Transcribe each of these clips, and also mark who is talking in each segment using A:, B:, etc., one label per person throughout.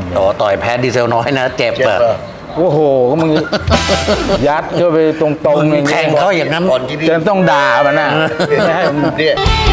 A: ต่อต่อยแพ้ดีเซลน้อยนะเจ็บ
B: เจ็บ
A: อะ
B: เหรอ
C: โอ้โหก็มึง ยัดเข้าไปตรงๆอย่าง
A: แท
C: เงี้
A: ง
C: ย
A: เขาอย่างนั้น
B: ก่อนที่พี่
C: จะต้องด่ามันนะไม่ให้มัน
B: เนี่ย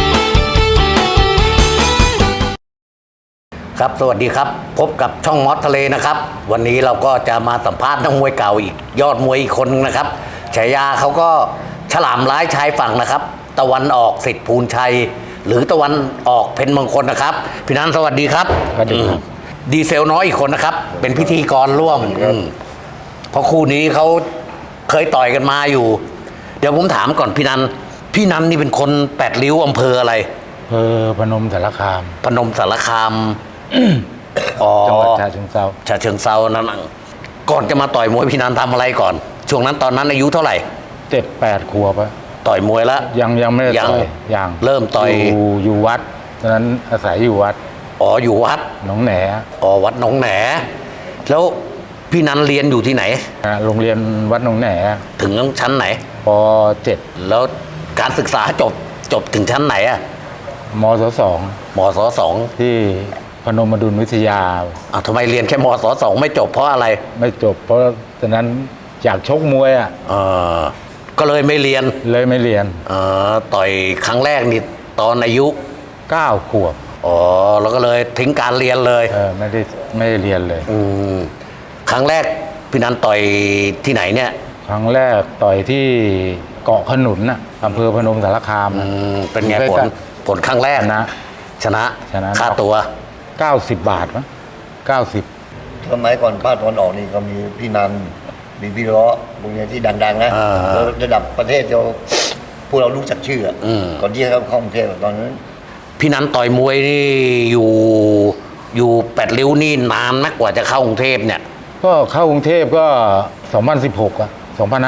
A: ครับสวัสดีครับ พบกับช่องมอสทะเลนะครับ วันนี้เราก็จะมาสัมภาษณ์นักมวยเก่าอีกยอดมวยอีกคนนึงนะครับฉายาเขาก็ฉลามร้ายชายฝั่งนะครับ ตะวันออกสิทธิ์ภูลชัย หรือตะวันออกเพ็ญมงคลนะครับพี่นันสวัสดีครับ
C: สวัสดีครับ
A: ดีเซลน้อยอีกคนนะครับ เป็นพิธีกรร่วมเพราะคู่นี้เขาเคยต่อยกันมาอยู่ เดี๋ยวผมถามก่อนพี่นันนี่เป็นคนแปดริ้วอำเภออะไร
C: อำเภอพนมสารคาม
A: พนมสารคาม อ๋อ
C: จังหวัดฉะเชิงเทรา
A: ฉะเชิงเซานั่นน่ะก่อนจะมาต่อยมวยพี่นันทำอะไรก่อน ช่วงนั้นตอนนั้นอายุเท่าไหร่
C: 7-8 ขวบอะ
A: ต่อยมวยแล้ว
C: ยังไม่ได้
A: ยัง
C: ต่อยยัง
A: เริ่มต่อย
C: อยู่วัดตอนนั้นอาศัยอยู่วัด
A: อ๋ออยู่วัด
C: หนองแหน
A: อ๋อวัดหนองแหน แล้วพี่นันเรียนอยู่ที่ไหน
C: โรงเรียนวัดหนองแหน
A: ถึงชั้นไหน
C: ป .7
A: แล้วการศึกษาจบถึงชั้นไหนอะ
C: มศ
A: มศสอง
C: 2ที่พนมดุลวิทยา
A: อ้าวทำไมเรียนแค่มศสองไม่จบเพราะอะไร
C: ไม่จบเพราะตอนนั้นอยากชกมวยอ่ะ
A: เออก็เลยไม่เรียน
C: เลยไม่เรียน
A: ต่อยครั้งแรกนี่ตอนอายุ
C: 9 ขวบ
A: อ๋อแล้วก็เลยทิ้งการเรียนเลย
C: ไม่ได้เรียนเลย
A: ครั้งแรกพี่นันต่อยที่ไหนเนี่ย
C: ครั้งแรกต่อยที่เกาะขนุนน่ะอำเภอพนมสารคามน่ะ
A: เป็นไงผลครั้งแรก
C: ชนะ
A: ชนะ
C: ชนะ
A: ค่าตัว
C: 90 บาทมั้ง90
B: สมัยก่อนภาคตะวันออกนี่ก็มีพี่นันมีพี่ล้อพวกเนี้ยที่ดังๆนะแล้วระดับประเทศเราพวกเรารู้จักชื่ออะก่อนที่เขาเข้ากรุงเทพตอนนั้น
A: พี่นันต่อยมวยนี่อยู่แปดริ้วนี่นานนักกว่าจะเข้ากรุงเทพเนี่ย
C: ก็เข้ากรุงเทพก็ 2016 อ่ะ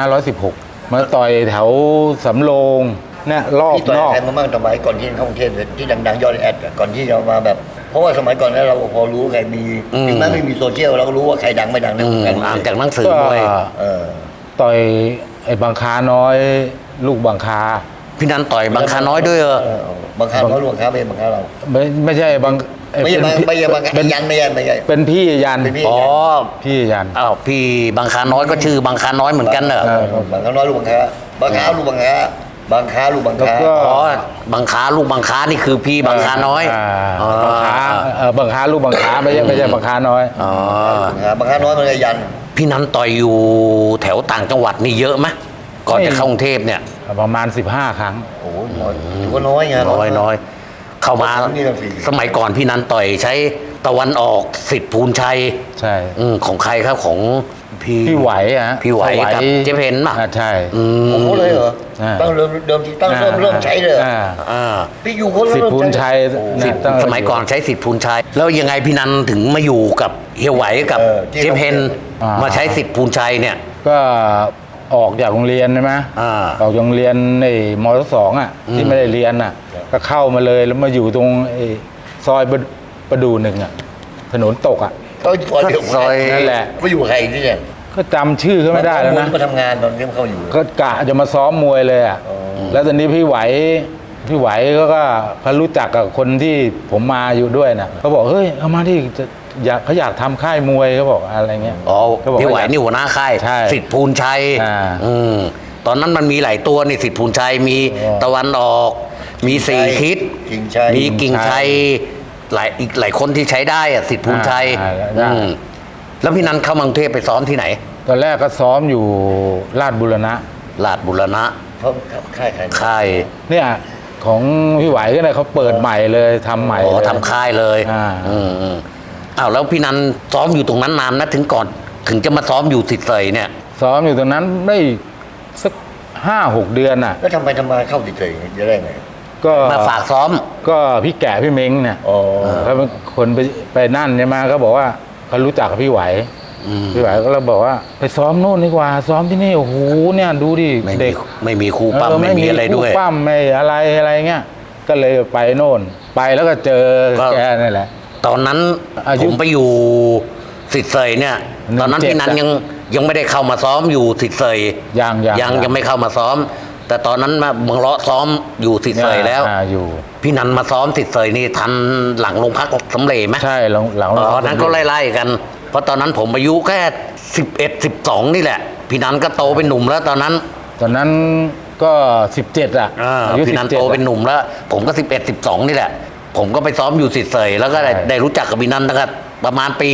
C: 2516 มาต่อยแถวสำโรงเนี่ยรอบ
B: พี่ต่อย
C: นอก
B: ใครมาบ้างสมัยก่อนที่เข้ากรุงเทพที่ดังๆยอดแอดอะก่อนที่เรามาแบบ เพราะว่าสมัยก่อนนั้นเราพอรู้ใครมีถึงแม้ไม่มีโซเชียลเราก็รู้ว่าใครดังไม่ดังในวงการ
A: อ่านจากหนังสือ
C: ก็
A: มวย
B: เออ
C: ต่อยไอ้บางคาน้อย ลูกบางคา
A: พี่นันต่อยบางคาน้อยด้วยเหรอ
B: บางครั้งเขาลวงค้าเป็นบางครั้งเรา
C: ไม่ใช่บาง
B: ไม่ใช่ไม่ใช่บางครั้ง
C: เป็น
B: ยันไม่ใช่ไม่ใช่
C: เป็นพี่ยัน
B: เป็นพี่
A: อ๋อ
C: พี่ยัน
A: อ้าวพี่บางคาน้อยก็ชื่อบางคาน้อยเหมือนกันเหรอ
B: บางครั้งน้อยลูกบางครั้งบางครั้งลูกบางครั้งบางครั้งลูกบางครั้ง
C: แล้วก็
A: อ๋อบางคาลูกบางคานี่คือพี่บางคาน้อย
C: บางคาบางคาลูกบางคาไม่ใช่บางคาน้อย
A: อ๋อ
B: บางครั้งน้อยมันก็ยัน
A: พี่นันต่อยอยู่แถวต่างจังหวัดนี่เยอะไหมก่อนจะเข้ากรุงเทพเนี่ย
C: ประมาณ 15 ครั้ง
B: โอ้โหน้อยถือว่าน้อยไง
A: น้อยเข้ามา
B: นี่ก็ฟรี
A: สมัยก่อนพี่นันต่อยใช้ตะวันออกสิทธิ์ภูลชัย
C: ใช่
A: ของใครครับของพี่
C: พี่ไหวอะ
A: พี่ไหวกับเจ๊เพนป่ะ
C: ใช่
B: โอ้โหเลยเหรอ
C: อ่า
B: ตั้งเดิมทีตั้งเริ่มใช้เลยเหรอ
A: อ่า
B: พี่อยู่คน
C: สิทธิ์ภูลชัย
A: สิทธิ์
C: ตั้งแต่
A: สมัยก่อนใช้สิทธิ์ภูลชัย แล้วยังไงพี่นันถึงมาอยู่กับเฮียไหวกับเจ๊เพนมาใช้สิทธิ์ภูลชัยเนี่ย
C: ก็ออกจากโรงเรียนใช่ไหม
A: อ่า
C: ออกจากโรงเรียนในมศสองอ่ะที่ไม่ได้เรียนอ่ะ ก็เข้ามาเลยแล้วมาอยู่ตรงไอ้ซอยประดูหนึ่งอ่ะถนนตกอ่ะ
B: ก็ซอยเดียว
A: ซอย
C: นั่นแหละ
B: ก็อยู่ใครที่เนี่ย
C: ก็จำชื่อเขาไม่ได้แล้วนะ
B: มาทำงานตอนที่เขาอยู่
C: ก็กะจะมาซ้อมมวยเลยอ่ะแล้วตอนนี้พี่ไหวก็เขารู้จักกับคนที่ผมมาอยู่ด้วยนะเขาบอกเฮ้ยเอามาที่เขาอยากทำค่ายมวยเขาบอกอะไรเงี้ย
A: อ๋อ
C: เขาบอก
A: พี่ไหวนี่หัวหน้าค่าย
C: ใช่
A: สิทธิ์ภูลชัย
C: อ่า
A: ตอนนั้นมันมีหลายตัวนี่สิทธิ์ภูลชัยมี
C: อ๋อ
A: ตะวันออก มีสี่ทิศ
B: กิ่งชัย
A: มีกิ่งชัยอีกหลายคนที่ใช้ได้อะสิทธิ์ภูลชัย
C: ได้
A: แล้วพี่นันเข้ามากรุงเทพไปซ้อมที่ไหน
C: ตอนแรกก็ซ้อมอยู่ลาดบุรณะ
A: ลาดบุรณะ
B: เขาค่ายใคร
A: ค่าย
C: เนี่ยของพี่ไหวก็เลยเขาเปิดใหม่เลยทำใหม่
A: อ๋อ
C: เลย
A: ทำค่ายเลย อ้าวแล้วพี่นันซ้อมอยู่ตรงนั้นนานนะถึงจะมาซ้อมอยู่สิทธิ์เสยเนี่ย
C: ซ้อมอยู่ตรงนั้นได้สัก5-6 เดือนน่ะ
B: แล้วทำไมเข้าติดเลยจะได้ไง
C: ก็
A: มาฝากซ้อม
C: ก็พี่แก่พี่เม้งเนี่ย
B: อ๋อ
C: เขาเป็นคนไปนั่นใช่ไหมเขาบอกว่าเขารู้จักกับพี่ไหวพี่ไหวก็เลยบอกว่าไปซ้อมโน่นดีกว่าซ้อมที่นี่โอ้โหเนี่ยดูดิ
A: ไม่มีครูปั้มไม่มีอะไรด้วย
C: คู่ปั้มไม่อะไรเงี้ยก็เลยไปโน่นไปแล้วก็เจอ
A: ก็
C: แกนี่แหละ
A: ตอนนั้น
C: อายุ
A: ผมไปอยู่สิทธิ์เสยเนี่ย ตอนนั้น
C: 17
A: พี่นันยังไม่ได้เข้ามาซ้อมอยู่สิทธิ์เสย
C: ยัง
A: ยังไม่เข้ามาซ้อมแต่ตอนนั้นมาเมืองเลาะซ้อมอยู่สิทธิ์เสยแล้ว
C: อยู่
A: พี่นันมาซ้อมสิทธิ์เสยนี่ทันหลังลงพักสำเร็จไหม
C: ใช่หลัง
A: ตอนนั้นก็ไล่ๆกัน เพราะตอนนั้นผมอายุแค่11-12นี่แหละ พี่นันก็โตเป็นหนุ่มแล้วตอนนั้น
C: ตอนนั้นก็17อ่ะอายุ
A: พี่นันโตเป็นหนุ่มแล้ว ผมก็11-12นี่แหละ ผมก็ไปซ้อมอยู่สิทธิ์เสยแล้วก็ได้รู้จักกับพี่นันนะครับประมาณปี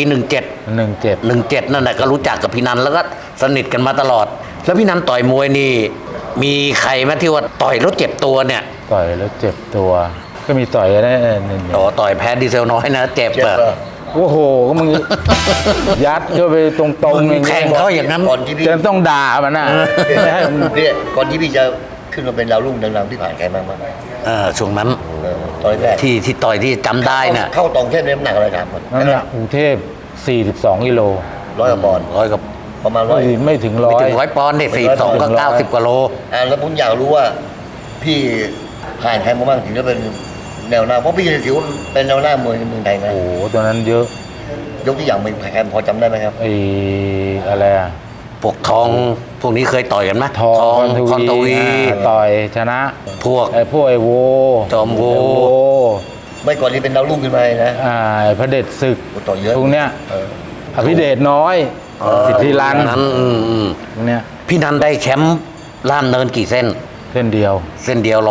A: 17นั่นแหละก็รู้จักกับพี่นันแล้วก็สนิทกันมาตลอด แล้วพี่นันต่อยมวยนี่ มีใครไหมที่ว่าต่อยแล้วเจ็บตัวเนี่ย
C: ต่อยแล้วเจ็บตัว ก็มีต่อยได้นิด
A: ต่อยแพ้ดีเซลน้อยนะเจ็บ
B: เจ็บ
A: อะ
B: เหรอ
C: โอ้โหก็มึง ยัดเข้าไปตรงๆ
A: มึงแข่งเขาอย่างนั้น
B: ก่อนที่พี่
C: จะต้องด่ามันนะไม่ให้มัน
B: เนี่ยก่อนที่พี่จะขึ้นมาเป็นดาวรุ่งดังๆที่ผ่านใครบ้าง
A: ช่วงนั้น
B: ตอนแรก
A: ที่ต่อยที่จำได้น่ะ
B: เข้าตองแค่น้ำหนักอะไรถามก่อน
C: นั่นแหละกรุงเทพ42กิโล
B: ร้อยกว่าปอนด์
A: ร้อยกับ
B: ประมาณร้อย
C: ไม่ถึง
A: ไม่
C: ร้อย
A: ถึง100 ปอนด์เนี่ย42ก็90กว่าโล
B: แล้วผมอยากรู้ว่าพี่ผ่านใครมาบ้างถึงจะเป็นแนวหน้าเพราะพี่ถือว่าเป็นแนวหน้ามวยในเมืองไทยนะ
C: โอ้โหตัวนั้นเยอะ
B: ยกตัวอย่างเป็นใครพอจำได้ไหมครับ
C: ไอ้อะไรอะ
A: พวกทองพวกนี้เคยต่อยกันไหม
C: ทอง
A: คอนทวี
C: ต่อยชนะ
A: พวก
C: ไอ้พวกไอ้โว
A: จอมโว
C: ไอ้
B: ไม่ก่อนที่เป็นดาวรุ่งขึ้นมานะ
C: ไอ้พระเดชศึก
B: ต่อยเยอะ
C: พวกเนี้ย
B: เออ
C: อภิเดชน้อยสิทธิรัน
A: นั้น
C: พวกเนี้ย
A: พี่นันได้แชมป์ล่ามเนินกี่เส้น
C: เส้นเดียว
A: เส้นเดียว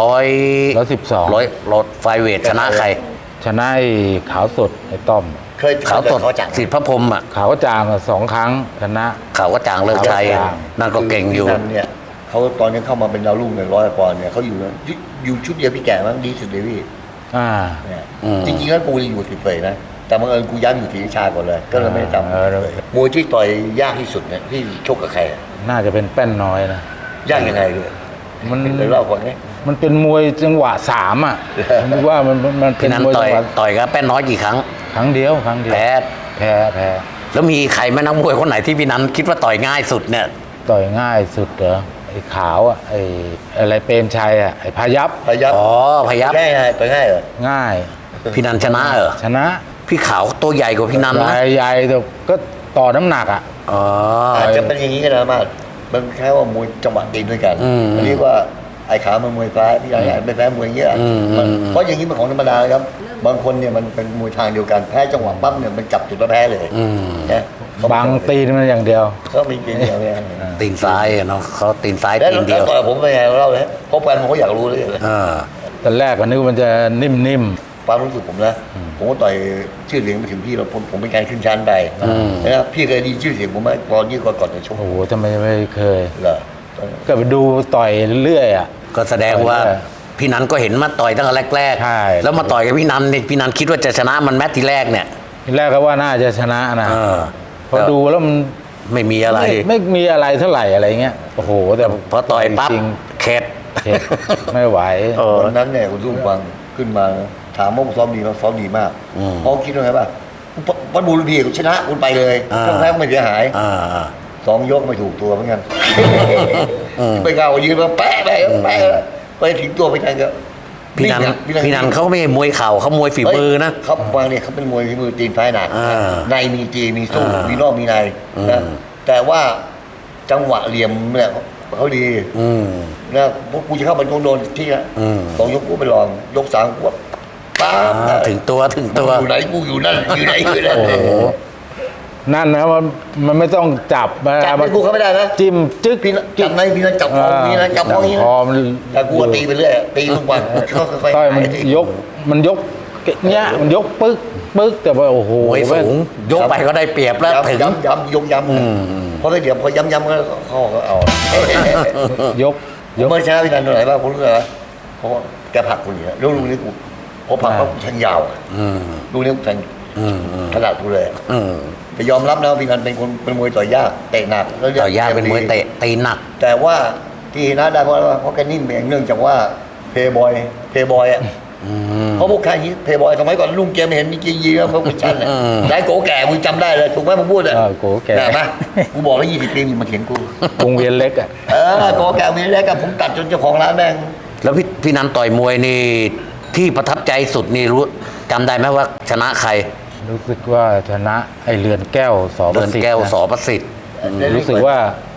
C: 112
A: รถไฟเวทชนะใคร
C: ชนะไอ้ขาวสดไอ้ต้อม
B: เคย
A: ขาวสด
B: เขาจัง
A: สิทธิพระพรหมอ่ะ
C: ขาวก็จางอะ2 ครั้งชนะ
A: ขาวก็จางเลิกชัย
C: ขาวก็จาง
A: นั่นก็เก่งอยู่
B: พี่นันเนี่ยเขาตอนนี้เข้ามาเป็นดาวรุ่งในร้อยปอนด์เนี่ยเขาอยู่ชุดเดียวพี่แก่มั้งดีสุดเลยพี่
C: อ่า
B: เนี่ย
A: อืม
B: จริงๆแล้วกูจะอยู่สิบเฟยนะแต่บังเอิญกูย้ำอยู่ศรีราชาก่อนเลย ก็เลยไม่ได้จำ
C: เออ
B: มวยที่ต่อยยากที่สุดเนี่ยพี่ชกกับใครอะ
C: น่าจะเป็นแป้นน้อยนะ
B: ยากยังไงเลย
C: มัน
B: เดี๋ยวเล่าก่อนนี้
C: มันเป็นมวยจังหวะ3อ่ะผมนึกว่ามันเป็
A: พี่
C: น
A: นัน
C: มวย
A: ต่
C: จั
A: อย
C: งหวะ
A: ต่อยกับแป้นน้อยกี่ครั้ง
C: ครั้งเดียว
A: แพ้
C: แพ้
A: แล้วมีใครไหมนักมวยคนไหนที่พี่นันคิดว่าต่อยง่ายสุดเนี่ย
C: ต่อยง่ายสุดเหรอไอ้ขาวอ่ะไอ้อะไรเปรมชัยอ่ะไอ้พายับ
B: พยับ
A: อ๋อพยับ
B: ง่ายไงต่อยง่ายเหรอ
C: ง่าย
A: พี่นันชนะเหรอ
C: ชนะ
A: พี่ขาวตัวใหญ่กว่าพี่นันนะ
C: ใหญ่แต่ก็ต่อน้ำหนักอ่ะ
A: อ๋อ
B: อาจจะเป็นอย่างนี้ก็ได้มากมันแค่ว่ามวยจังหวะตีนด้วยกัน
A: อืม
B: เรียกว่าไอ้ขามันมวยฟ้าพี่ใหญ่เป็นแพ้มวยเยอะ
A: อืม
B: มัน
A: อืม
B: เพราะอย่างนี้เป็นของธรรมดาครับ บางคนเนี่ยมันเป็นมวยทางเดียวกันแพ้จังหวะปั๊บเนี่ยมันจับจุดแล้วแพ้เลย
A: อืม
B: นะ
C: บังตีนมันอย่างเดียว
B: เขามีเกณฑ์เดียวเนี่ย
A: ตีนซ้ายอะเนาะเขาตีนซ้าย
B: แล้ว
A: ตีนเดียว
B: ต่อยผมเป็นไงเล่าเลยเพราะแฟนผมเขาอยากรู้เลย
C: ตอนแรกก็นึกว่ามันจะนิ่ม
B: ความรู้สึกผมนะผมก็ต่อยชื่อเสียงไปถึงพี่แล้วผมเป็นการขึ้นชั้นไป
A: อืม
B: นะครับพี่เคยไดยินชื่อเสียงผมไหมตอนยี่ก่อนจะช
C: ๆ
B: ก
C: โอ้โหทำไมไม่เคย
B: เหรอ
C: ก็ไปดูต่อยเรื่อยๆอ่ะ
A: ก็แสดงว่า
C: ใช่
A: พี่นันก็เห็นมาต่อยตั้งแต่แรก
C: ใช่
A: ๆแล้วมาต่อยกับพี่นันเนี่ยพี่นันคิดว่าจะชนะมันแมตช์ที่แรกเนี่ย
C: ทีแรกก็ว่าน่าจะชนะนะ
A: เออ
C: พอดูแล้วมัน
A: ไม่มีอะไร
C: ไม่มีอะไรเท่าไหร่อะไรเงี้ยโอ้โหแต่
A: พอต่อยปั๊บ
C: จริง
A: เข็ด
C: ๆเข็ดไม่ไหว
A: เออ
B: วันนั้นเนี่ยคุณตุ้มฟังขึ้นมาถามว่าผมซ้อมดีไหมซ้อมดีมาก
A: อืม
B: เพราะคิดว่าไงป่ะวันบูรพีชนะคุณไปเลย
A: อ่า
B: ถ้าแพ้ก็ไม่เสียหาย
A: อ่า
B: 2 ยกไม่ถูกตัวเหมือนกัน
A: อืม
B: ไปเก่ายืนมาแปะไปถึงตัวไปทันก็
A: พี่นันเขาไม่มวยเข่าเขามวยฝีมือนะ
B: เขาวางเนี่ยเขาเป็นมวยฝีมือตีนซ้ายหนัก
A: อ่า
B: ในมีจีมีสู้
A: อ่ามี
B: มีนอกมีใน
A: อืม
B: นะแต่ว่าจังหวะเหลี่ยมเนี่ยเขาดี
A: อืม
B: นะพวกกูจะเข้าไปโดนที่นะ
A: อืม
B: 2 ยกกูไปลองยก 3กูว่าป้าบ
A: ถึงตัว
B: อยู่ไหนกูอยู่นั่นอยู่ไหนอยู่นั่น
C: โอ้โหนั่นนะมันไม่ต้องจับมา
B: จับไปกูเขาไม่ได้นะ
C: จิ้มจึ๊ก
B: พี่นะจับในพี่นะจับคอพี่นะจับคอนี้
C: ค
B: นะ
C: อมัน
B: แต่กูก็ตีไปเรื่อยตีทุกวันค่อยๆ
C: ต้อยมัน
B: ตี
C: ยกเนี้ยมันยกปึ๊กแต่ว่าโอ้โห
A: มวยสูงยกไปก็ได้เปรียบแล้วถึง
B: ย้ำยกย้ำเพราะถ้าเดี๋ยวพอย้ำก็เขาก็เอา
C: ยก
B: เมื่อเช้าพี่นันตรงไหนบ้างผมรู้เลยเพราะว่าแกผลักกูอย่างนี้แล้วลูกนี้กูพอผลักเขาแทงยาว
A: อืม
B: ลูกนี้กูแทง
A: อืมอืม
B: ขนาดกูเลย
A: อืม
B: แต่ยอมรับนะว่าพี่นันเป็นคนเป็นมวยต่อยยากเตะหนักแล้ว
A: ต่อยากเป็นมวยเตะตีหนัก
B: แต่ว่าที่นะได้เพราะแกนิ่มเองเนื่องจากว่าเพย์บอยอ่ะ
A: อืม
B: เพราะพวกใครนี้เพย์บอยสมัยก่อนลุงเกมเห็นมีกียีแล้วพวกคุณชันอ่ะ
A: อืม
B: ได้โกแก่มึงจำได้เลยถูกไหมมึงพูดอ่ะ
C: โกแก่
B: ได้ไหมกูบอกแล้ว20 ปีมึงมาเถียงกู
C: วงเวียนเล็กอ่ะ
B: โกแก่มีแรกกับผมตัดจนเจ้าของร้านแม่ง
A: แล้วพี่นันต่อยมวยนี่ที่ประทับใจสุดนี่รู้จำได้ไหมว่าชนะใคร
C: รู้สึกว่าชนะไอเรือนแก้วสอป
A: เดิ
C: ระ
A: น
C: สิทธิ์
A: แก้ว
C: นะ
A: สอประสิทธิ์
C: รู้สึกว่า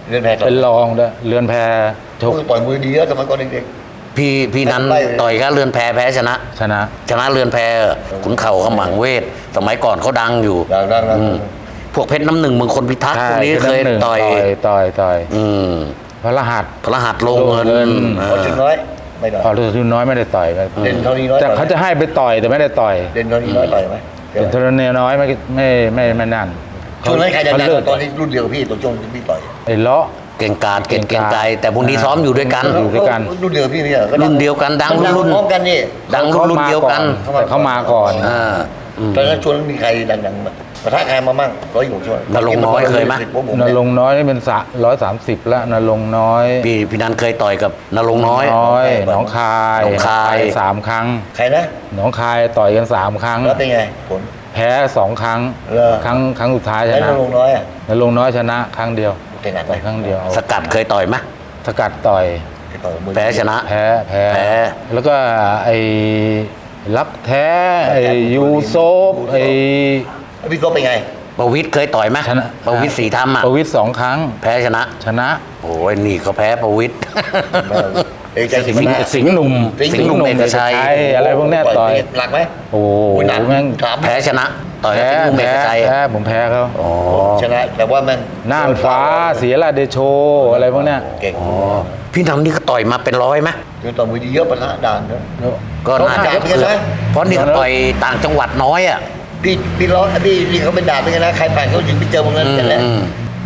B: เรือนแพต่อย
C: เป็นรองด้วยเรือนแพชก
B: ต่อยมวยดีแล้วสมัยก่อนเด็ก
A: พี่นั้น
B: ไล่
A: ต่อยก็เรือนแพแพ้ชนะ
C: ชนะ
A: ชนะเรือนแพขุนเข่าขมังเวท สมัยก่อนเขาดังอยู่
B: ๆดังๆ
A: อืมพวกเพชรน้ำหนึ่งเมืองคนพิทักษ์พวกนี้เคย
C: เป็นน้ำหนึ่ง ต่อย
A: อืม
C: พระรหัส
A: พระรหัสโลงเงิน
C: โลงเงิน
B: พอถึงน้อยไม่ได้
C: พอฤทุนน้อยไม่ได้ต่อยกัน
B: เด่นเท่านี้น้อย
C: แต่เขาจะให้ไปต่อยแต่ไม่ได้ต่อย
B: เด่นเท่านี้น้อยต่อยไหม
C: เป็นทุนน้อยไม่นั่น
B: ช่วงนั้นใครดัง
C: เขาเลิก
B: ๆตอนนี้รุ่นเดียวกับพี่ตอนช่วงที่พี่ต่อย
C: ไอ้เลาะ
A: เก่งกาจเก่งไกลแต่พวกนี้ซ้อมอยู่ด้วยกัน
C: อยู่ด้วยกัน
B: รุ่นเดียวกับพี่ไม่ใช่หรอ
A: รุ่นเดียวกันดังรุ่น
B: พร้อมกันนี่
A: ดังรุ่นเดียวกัน
C: แต่เขามาก่อน
A: อ่า
B: ตอนนั้นช่วงนั้นมีใครดังๆมาปะทะใครมามั่ง106ช่วง
A: นรงค์น้อยเคยไหม
C: นรงค์น้อยนี่เป็น130แล้วนรงค์น้อย
A: พี่นันเคยต่อยกับนรงค์น้อย
C: หนองคาย
A: หนองคาย
C: ไป3 ครั้ง
B: ใครนะ
C: หนองคายต่อยกัน3 ครั้ง
B: แล้วเป็นไงผล
C: แพ้2 ครั้ง
B: เหรอ
C: ครั้งสุดท้ายช
B: แล้ว
C: นะ
B: นรงค์น้อยอ่ะ
C: นรงค์น้อยชนะครั้งเดียว
B: เป็นไงไป
C: ครั้งเดียว
A: สกัดเคยต่อยไหม
C: สกัดต่อย
B: ต่อยมือ
A: แพ้ชนะ
C: แพ้
A: แพ้
C: แล้วก็ไอ้รักแท้ไอ้ยูโซฟไอ้
B: แล้วพี่โซเป็นไง
A: ประวิทย์เคยต่อยไหม
C: ชนะ
A: ประวิทย์สีธรรมอ่ะ
C: ประวิตร2 ครั้ง
A: แพ้ชนะ
C: ชนะ
A: โอ้ยนี่เขาแพ้ประวิทย์
B: เอกชัยศรี
C: สิง
B: มา
C: ห์สิงห์หนุ่ม
A: สิงห์หนุ่มเอกชัย
C: อะไรพวกเนี้ยต่อย
B: หลักไหม
C: โอ้โห
B: โอ้ยหนัก
C: แม่ง
B: ถาม
A: แพ้ชนะ ต่อยกับสิงห์หนุ่มเอกชัย
C: แพ้ผมแพ้เขา
A: อ๋อ
B: ชนะแต่ว่าแม่ง
C: น่านฟ้าเสียราชเดโชอะไรพวกเนี้ย
B: เก่ง
A: พี่นันนี่ก็ต่อยมาเป็นร้อยไหม
B: คือต่อยมือดีเยอะปะทะด่านนะ
A: ก็น่าจะ
B: เขาด่าเหมือนกันนะ
A: เพราะนี่เขาต่อยต่างจังหวัดน้อยอ่ะ
B: พี่ร้องพี่เขาเป็นด่านเป็นไงนะใครผ่านเขาถึงไปเจอพวกนั้นกันแหละ
A: อืม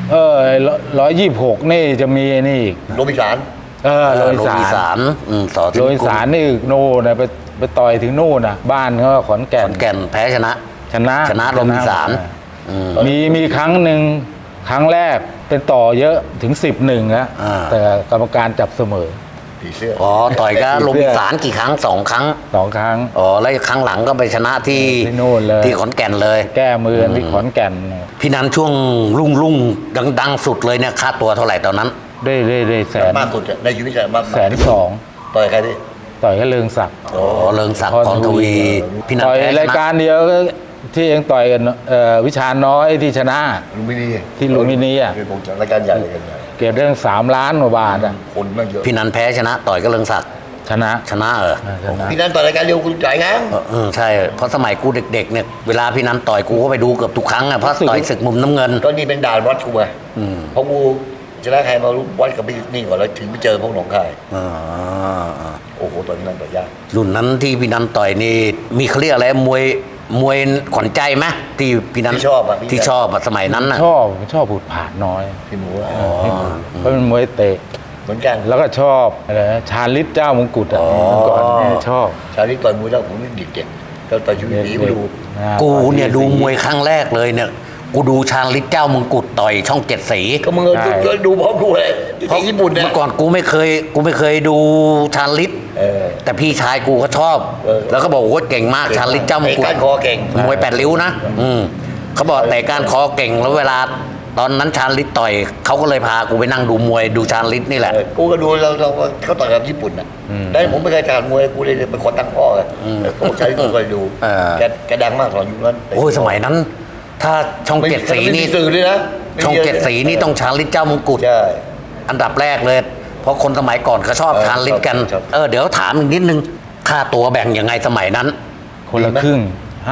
C: 126นี่จะมีไอ้นี่อีก
B: โรบินสัน
C: โรย
A: โรบิน
C: สา
A: สาร รสอ
C: โรยสารนี่โน่นนะไปต่อยถึงนู่นนะบ้านเขาขอนแก่
A: ขอน นแก่นแพ้ชนะ
C: ชนะ
A: ชนะโรบินสารอืม
C: มีครั้งหนึ่งครั้งแรกเป็นต่อเยอะถึง10-1แล้ว
A: อ่า
C: แต่กรรมการจับเสมอ
B: ผีเสื้อ
A: อ๋อต่อยกับโรบินสารกี่ครั้ง2 ครั้ง
C: 2 ครั้ง
A: อ๋อแล้วครั้งหลังก็ไปชนะที่
C: ที่นู่นเลย
A: ที่ขอนแก่นเลย
C: แก้มือที่ขอนแก่น
A: พี่นันช่วงรุ่งดังสุดเลยเนี่ยค่าตัวเท่าไหร่ตอนนั้น
C: ได้แสน
B: มากสุดอะในชีวิตอะมาก
C: 120,000
B: ต่อยใครดิ
C: ต่อยกับเลิงศักดิ์
A: อ๋อเริงศักดิ์พรทวีพี่นัน
C: ต่อย
A: แพ้ช
C: ราย
A: นะ
C: การเดียวก็ที่เองต่อยกันวิชาน้อยที่ชนะ
B: ลุมพินี
C: ที่ลุมพินีอะ
B: เป็นวงจัดรายการใหญ่รายการใหญ่
C: เก็บได้ตั้ง3 ล้านกว่าบาทอ่ะ
B: คนแม่งเยอะ
A: พี่นันแพ้ชนะต่อยกับเริงศักดิ์
C: ชนะ
A: ชนะเหรอ
C: ชนะ
B: พี่นันต่อยรายการเดียวคุณจ่ายงั้น
A: ใช่เพราะสมัยกูเด็กๆเนี่ยเวลาพี่นันต่อยกูก็ไปดูเกือบทุกครั้งอ่ะเพราะต่อยศึกมุมน้ำเงิน
B: ก็นี่เป็นด่านวัดกูไง
A: อืม
B: เพราะกูชนะใครมารู้วัดกับพี่นี่ก่อนแล้วถึงไปเจอพวกหนองคาย
A: อ่า
B: โอ้โหตอนนั้นต่อยยาก
A: รุ่นนั้นที่พี่นันต่อยนี่มีเขาเรียกอะไรมวยขวัญใจไหมที่พี่นัน
B: ที่ชอบอะ
A: ที่ชอบอะสมัยนั้นน่ะ
C: ชอบผูดผาดน้อย
B: พี่หมูอะ
C: เพราะเป็นมวยเตะ
B: เหมือนกัน
C: แล้วก็ชอบอะไรนะชาลิตเจ้ามงกุฎอ่ะเมื่อก่อนเนี่ยชอบ
B: ชาวนี้ต่อยมวยแล้วผมนี่เด็กๆก็ต่อยชีวิตดีมาดู
A: กูเนี่ยดูมวยครั้งแรกเลยเนี่ยกูดูชาญฤทธิ์เจ้ามงกุฎต่อยช่องเจ็ดสี
B: ก็มึงก็ดูพร้อมกูเลยที่ญี่ปุ่นเนี่ย
A: เมื่อก่อนกูไม่เคยดูชาญฤทธิ์
B: เออ
A: แต่พี่ชายกูก็ชอบ
B: เออ
A: แล้วก็บอกว่าเก่งมากชาญฤทธิ์เจ้ามงกุฎ
B: เตะก้านคอเก่ง
A: มวย8 ริ้วนะเขาบอกแต่การคอเก่งแล้วเวลาตอนนั้นชาญฤทธิ์ต่อยเขาก็เลยพากูไปนั่งดูมวยดูชาญฤทธิ์นี่แหละ
B: กูก็ดูเราเขาต่อยกับญี่ปุ่นอ่ะแต่ผมไม่เคยการมวยกูเลยเป็นคนตั้งพ่อไงกูใช้กูเคยดูแกดังมากตอนยุคนั้น
A: โอ้ยสมัยนั้น ถ้าช่องเจ็ดสีนี่
B: ไม่มีสื่อเลยนะ
A: ช่องเจ็ดสีนี่ต้องชาญฤทธิ์เจ้ามงกุฎ
B: ใช่
A: อันดับแรกเลย เพราะคนสมัยก่อนเขาชอบทานลิ้นกัน
B: ชอบ
A: เดี๋ยวถามอีกนิดนึง ค่าตัวแบ่งยังไงสมัยนั้น
C: คนละครึ่ง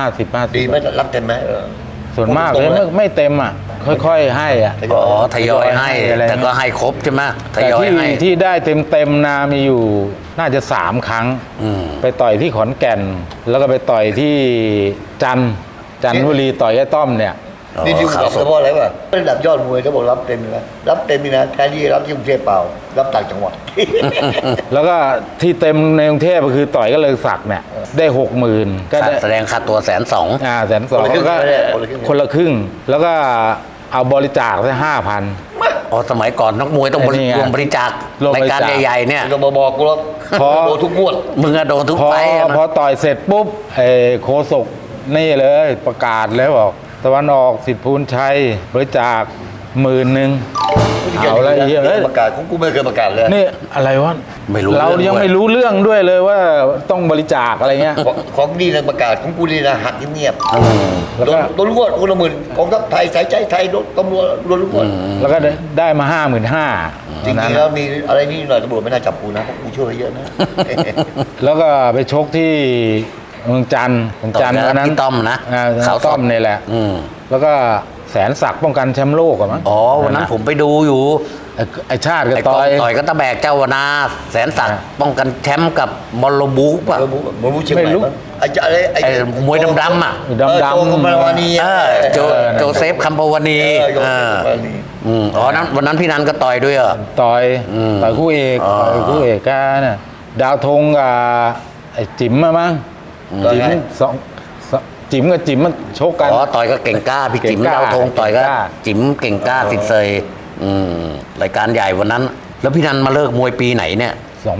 C: 50
B: ดีไหมรับเต็มไหม
C: ส่วนมากเลยไม่เต็มอ่ะ ค่อยๆให้อ่ะ
A: อ๋อทยอยให้
C: อะไร
A: แต่ก็ให้ครบใช่ไหมท
C: แต่
A: ยอย
C: ที่
A: ให้
C: ที่ได้เต็มๆนามีอยู่น่าจะ3 ครั้ง
A: อืม
C: ไปต่อยที่ขอนแก่น แล้วก็ไปต่อยที่จันทบุรีต่อยไอ้ต้อมเนี่ย
B: นี่ดิว
A: ข่า
B: บ
A: ว
B: อก
A: ส
B: เฉ
A: ด
B: พาะอะไรวะระดับยอดมวยเขาบอกรับเต็มเลยนะรับเต็มนี่นะแทนที่รับที่กรุงเทพเปล่ารับต่างจังหวัด
C: แล้วก็ที่เต็มในกรุงเทพก็คือต่อยก็เลยศักดิ์เนี่ยได้60,000ก็ได้
A: แสดงค่าตัว120,000
C: 120,000
B: คนละครึ่ง
C: ก็ คนละครึ่ง แล้วก็เอาบริจาคได้5,000
A: อ๋อสมัยก่อนนักมวยต้อง
C: ไอ้นี่ไง
A: รวมบริจาค
C: รวมบ
A: ราย
C: ริจาค
A: การใหญ่ๆเนี่ย
B: ก็มาบอกกูแล้ว
C: พอ
B: โดนทุกงวด
A: มึงอะโดนทุก
C: พอ
A: ไฟต์อะนะ
C: พอต่อยเสร็จปุ๊บโคศกนี่เลยประกาศแล้วบอกตะวันออกสิทธิภูลชัยบริจาค 10,000เอาละเหี้ย
B: เรื่องประกาศของกูไม่เคยประกาศเลย
C: นี่อะไรวะ
A: ไม่รู้
C: เรา
A: เรื่อง
C: ยัง
A: ด้วย
C: ไม่รู้เรื่องด้วยเลยว่าต้องบริจาคอะไรเงี้ย
B: ของนี่นะประกาศของกูนี่นะหักเงียบ
C: แล้ว
B: โด
C: ก็
B: นโดนรวดคนละหมื่นกองทัพไทยสายใจไทยโดนตำรวจโดนรวด
C: แล้วก็ได้มา55,000
B: จริงๆแล้วมีอะไรนี่หน่อยตำรวจไม่น่าจับกูนะเพราะกูช่วยไว้เยอะนะ
C: แล้วก็ไปชกที่เมืองจันทร์วันนั้น
A: พี่ต้อมนะ
C: เขาต้อมนี่แหละ
A: อืม
C: แล้วก็แสนศักดิ์ป้องกันแชมป์โลกอะมั้ง
A: อ๋อวันนั้นผมไปดูอยู่
C: ไอ้ชาติกับ
A: ไอ้
C: ต่อย
A: ต่อยก็ตะแบกเจ้าวนาแสนศักดิ์ป้องกันแชมป์กับบอลโลบุกป่ะ
B: มันรู้เชียงใหม่มั้งไอ้จะอะไร
A: ไอ้มวยดำๆอ่ะ
C: ดำ
B: โจคอมมาวานี
A: เออโจเซฟคัมปวานี
B: โจเซฟคัมปวานี
A: อ๋อนั้นวันนั้นพี่นันก็ต่อยด้วยเหรอ
C: ต่อย
A: อืม
C: ต่อยคู่เอก
A: อ๋อ
C: ต่อยคู่เอกกันน่ะดาวธงกับไอ้จิ๋มอะมั้ง
B: ต่อย
C: จิ๋ม
B: ไง
C: จิ๋มกับจิ๋มมันชกกัน
A: อ๋อต่อยก็เก่งกล้าพี่จิ๋ม
C: เก่งกล้า
A: ดาวธงต่อยก็
C: เก่งกล้า
A: จิ๋มเก่งกล้าสิทธิ์เซยรายการใหญ่วันนั้น แล้วพี่นันมาเลิกมวยปีไหนเนี่ย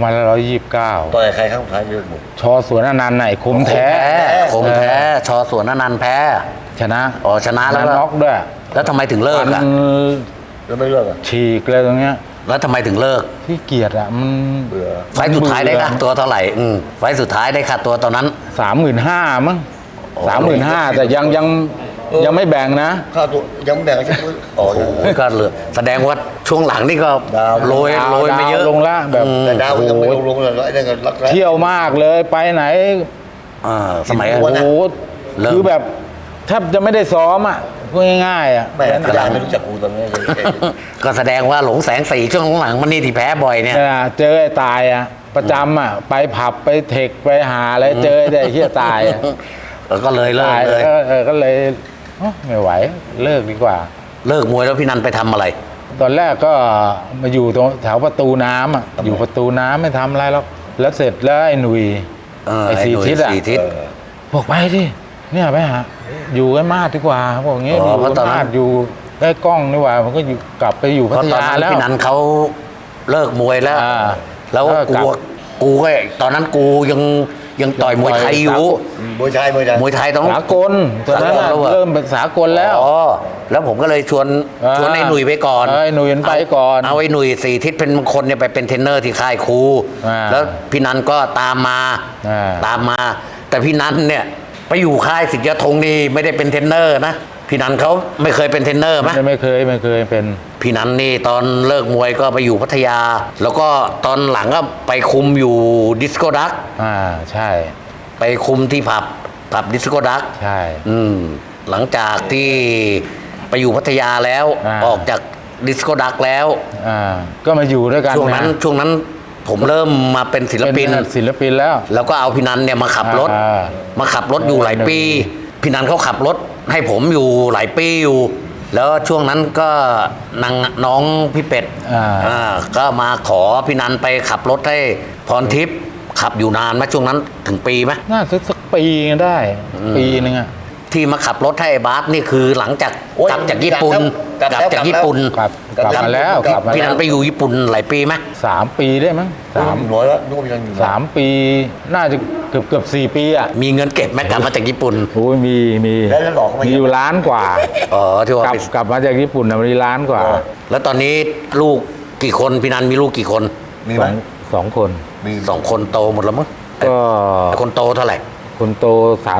C: 2529
B: ต่อยใครข้างท้ายเยอะหมด
C: ชอสวนอนันต์ไหนะไอ้คมแท้
A: คมแท้ชอสวนอนันต์แพ้
C: ชนะ
A: อ๋อชนะแล้ว
C: น็อกด้วย
A: แล้วทำไมถึงเลิก
C: มั
A: อ่ะ
C: น
B: แล้วไม่เลิกอ่ะ
C: ฉีกเลยตรงเนี้ย
A: แล้วทำไมถึงเลิก
C: ที่เกียรติอะมัน
B: เบื่อ
A: ไฟล์สุดท้ายได้ค่าตัวเท่าไหร่ไฟล์สุดท้ายได้ค่าตัวตอนนั้น
C: 35,000มั้ง
A: โอ้
C: 35,000แต่ยังไม่แบ่งนะ
B: ค่าตัวยังไม่แบ่งใช่ไหมอ๋อ
A: โอ้โหก็เหลือแสดงว่าช่วงหลังนี่ก็
B: ดาว
A: โรยมาเยอะ
C: ดาวลงละแบบ
B: แต่ดาวยังไม่
C: โอ้โห
B: ลงเลยแล้วไอ้นั่นก็รักแร้
C: เที่ยวมากเลยไปไหน
A: สมัย
B: วั
C: โอ้
B: น
C: โห
A: เริ่ม
C: คือแบบแทบจะไม่ได้ซ้อมอ่ะพูดง่ายๆอ่ะ
B: แม่กระดานไม่รู้จักกูตอนนี้นเลย
A: ก็แสดงว่าหลงแสงสีช่วงหลังมันนี่ที่แพ้บ่อยเนี่ย
C: เจอไอ้ตายอ่ะประจำอ่ะไปผับไปเทคไปหาอะไรเจอไอ้เหี้ยตายอ่ะ
A: แล้วก็เลยเลิก
C: ตาย
A: เลย
C: ก็เลยโอ้ไม่ไหวเลิกดีกว่า
A: เลิกมวยแล้วพี่นันไปทำอะไร
C: ตอนแรกก็มาอยู่ตรงแถวประตูน้ำอ่ะอยู่ประตูน้ำไม่ทำอะไรหรอกแล้วเสร็จแล้วไอ้หนุ่ย ไอ้สีทิศอะ
A: สีทิศ
C: บอกไปดิเนี่ยไปหาอยู่ใกล้มาดดีกว่าบอกอย่างเงี้ย
A: อ๋
C: อ
A: อยู่ เพราะตอนนั้น
C: มาดอยู่ใกล้กล้องดีกว่ามันก็อยู่กลับไปอยู่
A: เพ
C: พั
A: ราะ
C: ท
A: ตอน
C: ยา
A: นั้น
C: แล้ว
A: พี่นันเขาเลิกมวยแล้ว
C: อ่า
A: แล้ว
C: ก็กลับ
A: กูก็ตอนนั้นกูยังต่อยมวยไทยอยู่
B: มวยไทย
A: มวยไทยต้อง
C: สากลตอนนั้นน่ะ
A: สากลแล้วอะ
C: เริ่มเป็นสากลแล้ว
A: อ๋อแล้วผมก็เลยชวนไอ้หนุ่ยไปก่อน
C: ไอ้หนุ่ยมันไปก่อน
A: เอาไอ้หนุ่ยสีทิศเป็นมงคลเนี่ยไปเป็นเทรนเนอร์ที่ค่ายครู
C: อ่า
A: แล้วพี่นันก็ตามมา
C: อ่า
A: ตามมา แต่พี่นันเนี่ยไปอยู่ค่ายสิทธิยธงนี่ไม่ได้เป็นเทรนเนอร์นะพี่นันเขาไม่เคยเป็นเทรนเนอร์ไหม
C: ไม่เคยเป็น
A: พี่นันนี่ตอนเลิกมวยก็ไปอยู่พัทยา แล้วก็ตอนหลังก็ไปคุมอยู่ดิสโก้ดัก
C: ใช่
A: ไปคุมที่ผับดิสโก้ดัก
C: ใช่
A: หลังจากที่ไปอยู่พัทยาแล้ว ออกจากดิสโก้ดักแล้ว
C: ก็มาอยู่ด้วยกัน
A: ช่วงนั้นผมเริ่มมาเป็นศิลปิน
C: เป็นศิลปินแล้ว
A: แล้วก็เอาพี่นันเนี่ยมาขับรถ มาขับรถอยู่หลายปี พี่นันเขาขับรถให้ผมอยู่หลายปีอยู่ แล้วช่วงนั้นก็น้องพี่เป็ดก็มาขอพี่นันไปขับรถให้พรทิพย์ขับอยู่นานไหมช่วงนั้นถึงปีไหม
C: น่าสักปีได้ ปีนึงอ่ะ
A: ที่มาขับรถให้ไอ้บาสนี่คือหลังจากกลับจากญี่ปุ่น
B: กลับแล้ว
A: จากญี่ปุ่น
C: กลับมาแล้วกลับมา
A: พี่นั
C: แล้
A: น
C: ว
A: ไปอยู่ญี่ปุ่นหลายปีไหม
C: 3 ปีได้มั้ง
B: สามน้อยแล้วนึกว่ายังอยู่
C: 3 ปีน่าจะเกือบ4 ปีอ่ะ
A: มีเงินเก็บไหมกลับมาจากญี่ปุ่น
C: โอ้ยมี
B: แล้วหลอกเขาไหม
C: มีอยู่ล้านกว่า
A: อ๋อที่ว่าก ไป
C: ลับมาจากญี่ปุ่นนะมีล้านกว่า
A: แล้วตอนนี้ลูกกี่คนพี่นันมีลูกกี่คน
B: มีไหม
C: สองคน
B: มี
A: 2 คนโตหมดแล้วมั้ง
C: ก็
A: แต่คนโตเท่าไหร่
C: คนโต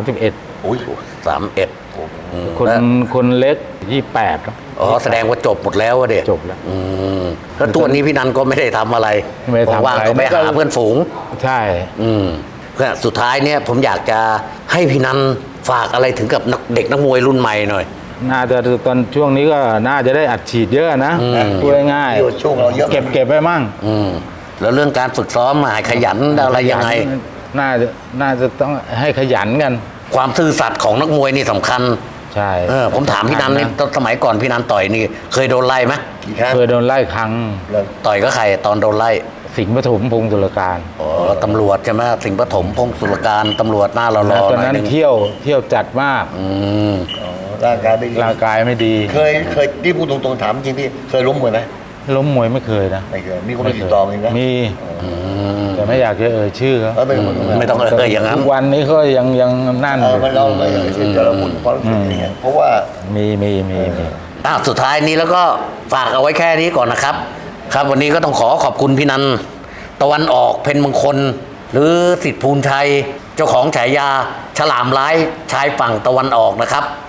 C: 31
B: อุ้ย
A: 31
C: คนเล็ก28ครับ
A: อ๋อแสดงว่าจบหมดแล้วอะเด็ก
C: จบแล้ว
A: แล้วตัวนี้พี่นันก็ไม่ได้ทำอะไร
C: ไม่ได้ทำอะไร
A: ว่างๆก็ไปหาเพื่อนฝูง
C: ใช่
A: ก็สุดท้ายเนี่ยผมอยากจะให้พี่นันฝากอะไรถึงกับเด็กนักมวยรุ่นใหม่หน่อย
C: น่าจะตอนช่วงนี้ก็น่าจะได้อัดฉีดเยอะนะพูดง่าย
B: ที่ว่าช่วงเราเยอะ
C: เก็บไปมั่ง
A: แล้วเรื่องการฝึกซ้อมให้ขยันอะไรยังไง
C: น่าจะต้องให้ขยันกัน
A: ความซื่อสัตย์ของนักมวยนี่สำคัญ
C: ใช่
A: ผมถามพี่นันนี่ตอนสมัยก่อนพี่นันต่อยนี่เคยโดนไล่ไหม
B: กี่ครั้ง
C: เคยโดนไล่ครั้ง
B: แล้ว
A: ต่อยก็ใครตอนโดนไล่
C: สิงห์ปฐมพงศ์ตุลการ
A: อ๋อตำรวจใช่ไหมสิงห์ปฐมพงศ์สุรการตำรวจหน้ารอๆห
C: ตอน
A: น่อย
C: นั้น
A: นึง
C: เที่ยวจัดมาก
B: อ๋อร่างกายไม่ดี
C: ร่างกายไม่ดี
B: เคยที่พูดตรงๆถามจริงพี่เคยล้มมวยไหม
C: ล้มมวยไม่เคยนะ
B: ไม่เคยมีคนมาติดต่อมีนะ
C: มีแต่ไม่อยากจะเอ่ยชื่อเขา
A: ไม่ต้องอย่างนั้น
C: ทุกวันนี้เขายังนั่น
B: มันเราไม่เช่นจะระบุความรู้สึกอย่างเงี้ยเพราะว่า
C: มี
A: สุดท้ายนี้แล้วก็ฝากเอาไว้แค่นี้ก่อนนะครับ ครับวันนี้ก็ต้องขอขอบคุณพี่นันตะวันออกเพ็ญมงคล หรือสิทธิภูลชัย เจ้าของฉายาฉลามร้ายชายฝั่งตะวันออกนะครับ